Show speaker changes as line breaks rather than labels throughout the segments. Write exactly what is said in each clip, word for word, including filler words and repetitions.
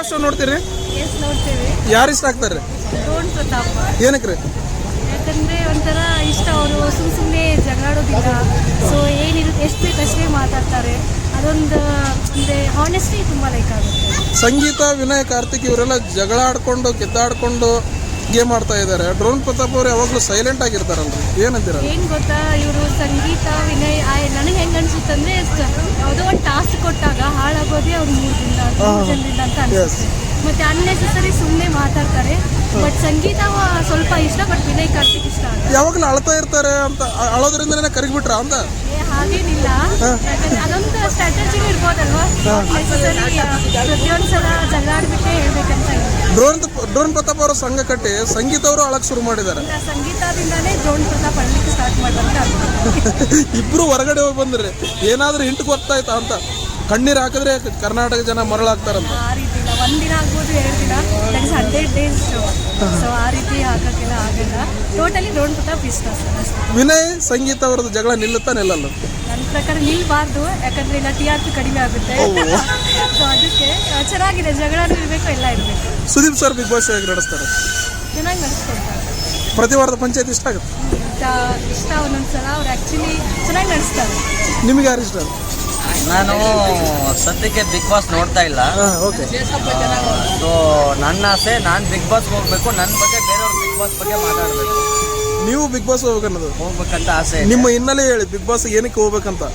Boss show ನೋಡ್ತೀರಿ?
S ನೋಡ್ತೀವಿ.
ಯಾರು ಇಷ್ಟ ಆಗ್ತಾರೆ?
ಡ್ರೋನ್ ಪ್ರತಾಪ್.
ಏನಕ್ಕೆ ರೀ?
ಯಾಕಂದ್ರೆ ಒಂಥರ ಇಷ್ಟ. ಅವರು ಸುಮ್ ಸುಮ್ಮನೆ ಜಗಳಾಡೋದಿಲ್ಲ. ಸೊ ಏನಿರುತ್ತೆ ಎಷ್ಟು ಬೇಕು ಅಷ್ಟೇ ಮಾತಾಡ್ತಾರೆ. ಅದೊಂದು ಅಂದರೆ ಹಾನೆಸ್ಟಿ ತುಂಬ ಲೈಕ್ ಆಗುತ್ತೆ.
ಸಂಗೀತ, ವಿನಯ್, ಕಾರ್ತಿಕ್ ಇವರೆಲ್ಲ ಜಗಳ ಆಡ್ಕೊಂಡು ಕಿತ್ತಾಡ್ಕೊಂಡು ಗೇಮ್ ಆಡ್ತಾ ಇದ್ದಾರೆ. ಡ್ರೋನ್ ಪ್ರತಾಪ್ ಅವರು ಯಾವಾಗಲೂ ಸೈಲೆಂಟ್ ಆಗಿರ್ತಾರಲ್ರಿ, ಏನಂತೀರ?
ಏನು ಗೊತ್ತಾ, ಇವರು ಸಂಗೀತ, ವಿನಯ್ ನನಗೆ ಹೆಂಗೆ ಅನ್ಸುತ್ತೆ ಅಂದರೆ ಯಾವುದೋ ಒಂದು ಟಾಸ್ಕ್ ಕೊಟ್ಟಾಗ ಹಾಳಾಗೋದೇ ಅವ್ರು ಮೂರು ದಿನ ಮೂರು ಜನರಿಂದ ಅಂತ ಅನಿಸುತ್ತೆ. ಮತ್ತು ಅನ್ನೆಸೆಸರಿ ಸುಮ್ಮನೆ ಮಾತಾಡ್ತಾರೆ. ಬಟ್ ಸಂಗೀತ ಸ್ವಲ್ಪ ಇಷ್ಟ, ಬಟ್ ವಿನಯ್ ಕಾರ್ತಿಕ್ ಇಷ್ಟ ಆಗಲ್ಲ.
ಯಾವಾಗಲೂ ಅಳ್ತಾ ಇರ್ತಾರೆ ಅಂತ, ಅಳೋದ್ರಿಂದನೇ ಕರಿಗ್ಬಿಟ್ರ ಅಂತ?
ಹಾಗೇನಿಲ್ಲ, ಯಾಕಂದ್ರೆ ಅದೊಂದು ಸ್ಟ್ರಾಟಜಿನೂ ಇರ್ಬೋದಲ್ವಾ. ನೆಸೆಸರಿ ಪ್ರತಿಯೊಂದು ಸಲ ಜಗಳ ಆಡ್ಬಿಟ್ಟೆ ಹೇಳ್ಬೇಕಂತ ಇಲ್ಲ.
ಡ್ರೋನ್ ಡ್ರೋನ್ ಪ್ರತಾಪ್ ಅವರು ಸಂಘ ಕಟ್ಟಿ ಸಂಗೀತ ಅವರು ಅಳಕ್ ಶುರು ಮಾಡಿದ್ದಾರೆ.
ಸಂಗೀತದಿಂದಾನೇ ಡ್ರೋನ್ ಪ್ರತಾಪ್ ಅಳ್ಲಿಕ್ಕೆ ಸ್ಟಾರ್ಟ್ ಮಾಡಿದ್ರೆ
ಇಬ್ರು ಹೊರಗಡೆ ಹೋಗಿ ಬಂದ್ರಿ, ಏನಾದ್ರೂ ಇಂಟು ಗೊತ್ತಾಯ್ತಾ ಅಂತ. ಕಣ್ಣೀರು ಹಾಕಿದ್ರೆ ಕರ್ನಾಟಕ ಜನ ಮರಳಾಗ್ತಾರಂತ.
ಆ ರೀತಿ ಇಲ್ಲ, ಒಂದಿನ ಆಗ್ಬೋದು, ಎರಡು ದಿನ, that is hundred days show. So ಆ ರೀತಿ ಹಾಕೋಕ್ಕೆಲ್ಲ ಆಗಲ್ಲ. ಟೋಟಲಿ ಡ್ರೋನ್ ಪ್ರತಾಪ್ ಇಷ್ಟ ಸರ್ ಅಷ್ಟೇ.
ವಿನಯ್ ಸಂಗೀತ ಅವ್ರದ್ದು ಜಗಳ ನಿಲ್ಲುತ್ತಾ ನಿಲ್ಲಲ್ಲ?
ನನ್ನ ಪ್ರಕಾರ ನಿಲ್ಬಾರ್ದು, ಯಾಕಂದ್ರೆ ಇಲ್ಲ ಟಿ ಆರ್ ಪಿ ಕಡಿಮೆ ಆಗುತ್ತೆ. ಸೊ ಅದಕ್ಕೆ ಚೆನ್ನಾಗಿದೆ, ಜಗಳನೂ ಇರಬೇಕು, ಎಲ್ಲ ಇರಬೇಕು.
ಸುದೀಪ್ ಸರ್ ಬಿಗ್ ಬಾಸ್ ಹೇಗೆ ನಡೆಸ್ತಾರೆ?
ಚೆನ್ನಾಗಿ ನಡೆಸ್ಕೊಡ್ತಾರೆ.
ಪ್ರತಿ ವಾರದ ಪಂಚಾಯತ್ ಇಷ್ಟ ಆಗುತ್ತೆ?
ಇಷ್ಟ ಒಂದೊಂದ್ಸಲ ಅವ್ರು ಆ್ಯಕ್ಚುಲಿ ಚೆನ್ನಾಗಿ ನಡೆಸ್ತಾರೆ.
ನಿಮ್ಗೆ ಯಾರು ಇಷ್ಟ?
ನಾನು ಸದ್ಯಕ್ಕೆ ಬಿಗ್ ಬಾಸ್ ನೋಡ್ತಾ ಇಲ್ಲ.
ಓಕೆ.
ಸೊ ನನ್ನ ಆಸೆ, ನಾನು ಬಿಗ್ ಬಾಸ್ ಹೋಗ್ಬೇಕು, ನನ್ನ ಬಗ್ಗೆ ಬೇರೆಯವ್ರು ಬಿಗ್ ಬಾಸ್ ಬಗ್ಗೆ ಮಾತಾಡಬೇಕು.
ನೀವು ಬಿಗ್ ಬಾಸ್ ಹೋಗ್ಬೇಕನ್ನೋದು
ಹೋಗ್ಬೇಕಂತ ಆಸೆ.
ನಿಮ್ಮ ಹಿನ್ನೆಲೆ ಹೇಳಿ, ಬಿಗ್ ಬಾಸ್ ಏನಕ್ಕೆ ಹೋಗ್ಬೇಕಂತ?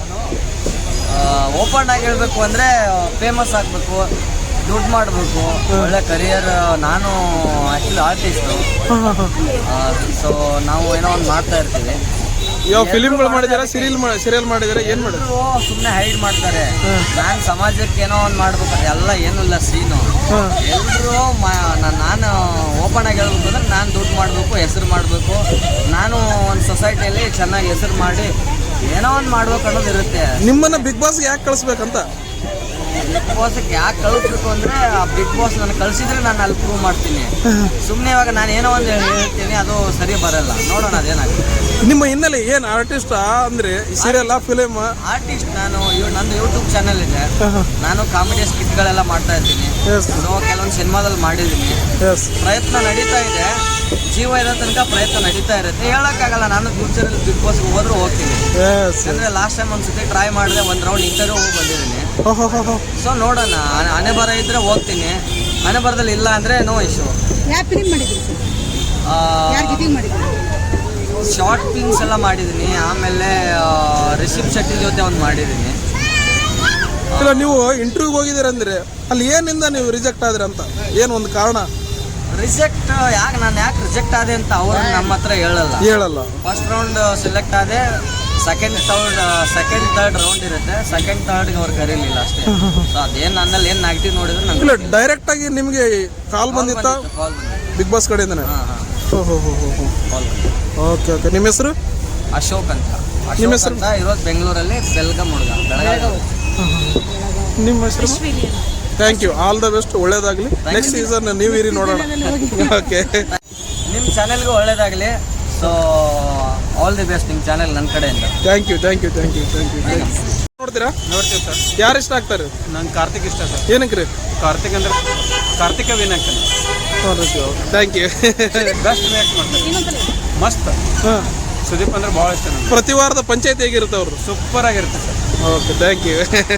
ಓಪನ್ ಆಗಿ ಹೇಳ್ಬೇಕು ಅಂದರೆ ಫೇಮಸ್ ಆಗಬೇಕು, ದುಡ್ಡು ಮಾಡಬೇಕು, ಒಳ್ಳೆ ಕರಿಯರ್. ನಾನು ಆ್ಯಕ್ಚುಲಿ ಆರ್ಟಿಸ್ಟು. ಸೊ ನಾವು ಏನೋ ಒಂದು ಮಾಡ್ತಾ ಇರ್ತೀವಿ.
ಯಾವ ಫಿಲಿಮ್ಗಳು ಮಾಡಿದಾರೆ, ಸೀರಿಯಲ್ ಸೀರಿಯಲ್ ಮಾಡಿದಾರೆ, ಏನು ಮಾಡಿದ್ರು?
ಸುಮ್ಮನೆ ಹೈಡ್ ಮಾಡ್ತಾರೆ. ನಾನು ಸಮಾಜಕ್ಕೆ ಏನೋ ಒಂದು ಮಾಡ್ಬೇಕು, ಎಲ್ಲ ಏನೂ ಇಲ್ಲ ಸೀನು. ಎಲ್ಲರೂ ನಾನು ಓಪನ್ ಆಗಿ ಹೇಳ್ಬೇಕು ಅಂದ್ರೆ ನಾನು ದುಡ್ಡು ಮಾಡಬೇಕು, ಹೆಸರು ಮಾಡಬೇಕು, ನಾನು ಒಂದು ಸೊಸೈಟಿಯಲ್ಲಿ ಚೆನ್ನಾಗಿ ಹೆಸರು ಮಾಡಿ ಏನೋ ಒಂದು ಮಾಡ್ಬೇಕು ಅನ್ನೋದು ಇರುತ್ತೆ.
ನಿಮ್ಮನ್ನ ಬಿಗ್ ಬಾಸ್ಗೆ ಯಾಕೆ ಕಳಿಸ್ಬೇಕಂತ?
ಬಿಗ್ ಬಾಸ್ಗೆ ಯಾಕೆ ಕಳಿಸ್ಬೇಕು ಅಂದರೆ ಆ ಬಿಗ್ ಬಾಸ್ ನಾನು ಕಳಿಸಿದ್ರೆ ನಾನು ಅಲ್ಲಿ ಪ್ರೂವ್ ಮಾಡ್ತೀನಿ. ಸುಮ್ಮನೆ ಇವಾಗ ನಾನು ಏನೋ ಒಂದು ಹೇಳ್ತೀನಿ, ಅದು ಸರಿ ಬರಲ್ಲ. ನೋಡೋಣ ಅದೇನಾಗುತ್ತೆ.
ನಿಮ್ಮ ಹಿನ್ನೆಲೆ ಏನು, ಆರ್ಟಿಸ್ಟ್ ಅಂದ್ರೆ ಸೀರಿಯಲ್, ಫಿಲಿಮ್?
ಆರ್ಟಿಸ್ಟ್ ನಾನು. ನಂದು ಯೂಟ್ಯೂಬ್ ಚಾನಲ್ ಇದೆ, ನಾನು ಕಾಮಿಡಿ ಸ್ಕಿಟ್ಗಳೆಲ್ಲ ಮಾಡ್ತಾ ಇರ್ತೀನಿ. ಸೊ ಕೆಲವೊಂದು ಸಿನಿಮಾದಲ್ಲಿ ಮಾಡಿದ್ದೀನಿ. ಪ್ರಯತ್ನ ನಡೀತಾ ಇದೆ, ಜೀವ ಇರೋ ತನಕ ಪ್ರಯತ್ನ ನಡೀತಾ ಇರುತ್ತೆ. ಹೇಳೋಕ್ಕಾಗಲ್ಲ, ನಾನು ಫ್ಯೂಚರಲ್ಲಿ ಬಿಗ್ ಬಾಸ್ಗೆ ಹೋದ್ರೂ ಹೋಗ್ತೀನಿ. ಅಂದರೆ ಲಾಸ್ಟ್ ಟೈಮ್ ಒಂದ್ಸತಿ ಟ್ರೈ ಮಾಡಿದೆ, ಒಂದು ರೌಂಡ್ ಇಂಟರ್ವ್ಯೂ ಹೋಗಿ ಬಂದಿದ್ದೀನಿ. ಸೊ ನೋಡೋಣ, ಹಣೆ ಬರ ಇದ್ರೆ ಹೋಗ್ತೀನಿ, ಹಣೆ ಬರದಲ್ಲಿ ಇಲ್ಲ ಅಂದರೆ ನೋ ಇಶ್ಯೂ. ಶಾರ್ಟ್ ಫಿಲ್ಮ್ಸ್ ಎಲ್ಲ ಮಾಡಿದ್ದೀನಿ. ಆಮೇಲೆ ರಿಷಬ್ ಶೆಟ್ಟಿ ಜೊತೆ ಒಂದು ಮಾಡಿದ್ದೀನಿ.
ಇಲ್ಲ, ನೀವು ಇಂಟರ್ವ್ಯೂಗೆ ಹೋಗಿದ್ದೀರಂದ್ರೆ ಅಲ್ಲಿ ಏನಿಂದ ನೀವು ರಿಜೆಕ್ಟ್ ಆದ್ರಿ ಅಂತ, ಏನು ಒಂದು ಕಾರಣ?
ರಿಜೆಕ್ಟ್ ಯಾಕೆ, ನಾನು ಯಾಕೆ ರಿಜೆಕ್ಟ್ ಆದೆ ಅಂತ ಅವರು ನಮ್ಮ ಹತ್ರ ಹೇಳಲ್ಲ
ಹೇಳಲ್ಲ
ಫಸ್ಟ್ ರೌಂಡ್ ಸೆಲೆಕ್ಟ್ ಆದೆ, second third second third round ಇರುತ್ತೆ. ಸೆಕೆಂಡ್ ಥರ್ಡ್ಗೆ ಅವ್ರು ಕರೀಲಿಲ್ಲ ಅಷ್ಟೇ. ಸೊ ಅದೇನು ನನ್ನಲ್ಲಿ ಏನು ನೆಗೆಟಿವ್ ನೋಡಿದ್ರೆ ನಂಗೆ
ಇಲ್ಲ, ಡೈರೆಕ್ಟ್ ಆಗಿ ನಿಮಗೆ ಕಾಲ್ ಬಂದಿತ್ತ
ಕಾಲ್ ಬಂದಿತ್ತು
ಬಿಗ್ ಬಾಸ್ ಕಡೆಯಿಂದನೇ?
ಹಾಂ ಹಾಂ
ಓ ಹೋ ಹೋ ಹೋ
ಕಾಲ್ ಬಂದಿತ್ತು.
Okay okay. ನಿಮ್ಮ ಹೆಸರು?
ಅಶೋಕ್ ಅಂತ.
ನಿಮ್ಮ
ಅಶೋಕ್
ಹೆಸರು?
ಅಂತ ಇರೋದು ಬೆಂಗಳೂರಲ್ಲಿ, ಬೆಲ್ಗಮ್ ಹುಡುಗ, ಬೆಳಗಾವಿ.
ನಿಮ್ಮ ಹೆಸರು? Thank you, all the best, ಒಳ್ಳೇದಾಗಲಿ. ನೆಕ್ಸ್ಟ್ ಸೀಸನ್ ನೀವು ಇರಿ, ನೋಡೋಣ. ಓಕೆ,
ನಿಮ್ಮ ಚಾನೆಲ್ಗೂ ಒಳ್ಳೇದಾಗಲಿ. ಸೊ ಆಲ್ ದಿ ಬೆಸ್ಟ್ ನಿಮ್ಮ ಚಾನೆಲ್ ನನ್ನ ಕಡೆಯಿಂದ.
Thank you thank you thank you thank you thank you. ನೋಡ್ತೀರಾ?
ನೋಡ್ತೀವಿ ಸರ್.
ಯಾರು ಇಷ್ಟ ಆಗ್ತಾರೆ?
ನಂಗೆ ಕಾರ್ತಿಕ್ ಇಷ್ಟ ಸರ್.
ಏನಕ್ಕೆ ರೀ?
ಕಾರ್ತಿಕ್ ಅಂದ್ರೆ Karthika Vinayak
thank you.
Best react ಮಾಡ್ತಾರೆ, ಮಸ್ತ್.
ಹಾಂ,
ಸುದೀಪ್ ಅಂದ್ರೆ ಭಾಳ ಇಷ್ಟ ನನಗೆ.
ಪ್ರತಿ ವಾರದ ಪಂಚಾಯತ್ ಹೇಗಿರುತ್ತೆ ಅವರು?
ಸೂಪರ್ ಆಗಿರುತ್ತೆ ಸರ್.
Okay, thank you.